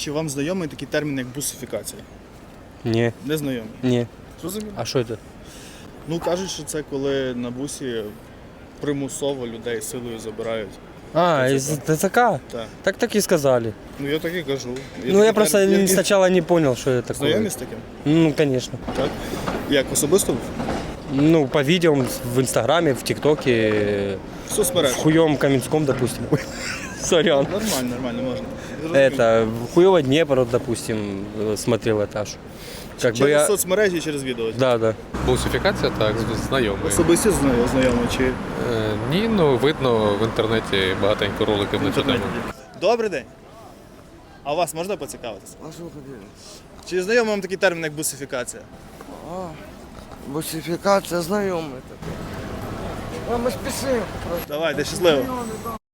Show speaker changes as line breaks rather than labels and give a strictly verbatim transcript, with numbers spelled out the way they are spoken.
Чи вам знайомий такий термін, як бусифікація?
Ні,
Не знайомий.
ні.
Зрозуміло?
А що це?
Ну, кажуть, що це коли на бусі примусово людей силою забирають.
А,
ТЦК.
из ТЦК?
Так.
Так так и сказали.
Ну, я так і кажу. Є
Ну,
такий
я просто
термін.
не- сначала не понял, что это такое.
Знайомі з таким?
Ну, конечно.
Так. Як особисто?
Ну, по видео в Инстаграме, в ТикТоке,
В
в
соцмережах?
хуёвом Каменском, допустим. Ой, сорян.
Нормально, нормально, можна. Зрозуміло.
Это, в хуёво Днепр, допустим, э, смотрел этаж. Как бы
Через
я...
соцмережі, через відео?
Да, да.
Бусифікація, так, знайомий.
Особисті зна- знайомі чи
Е, Ні, ну видно в інтернеті багатенько роликів
в
на цю тему.
інтернеті? Добрий день. А у вас можна поцікавитися?
А що хотіли?
Чи знайомий вам такий термін, як бусифікація?
А, бусифікація знайомий такий. А ми спішимо просто.
Давайте, щасливо.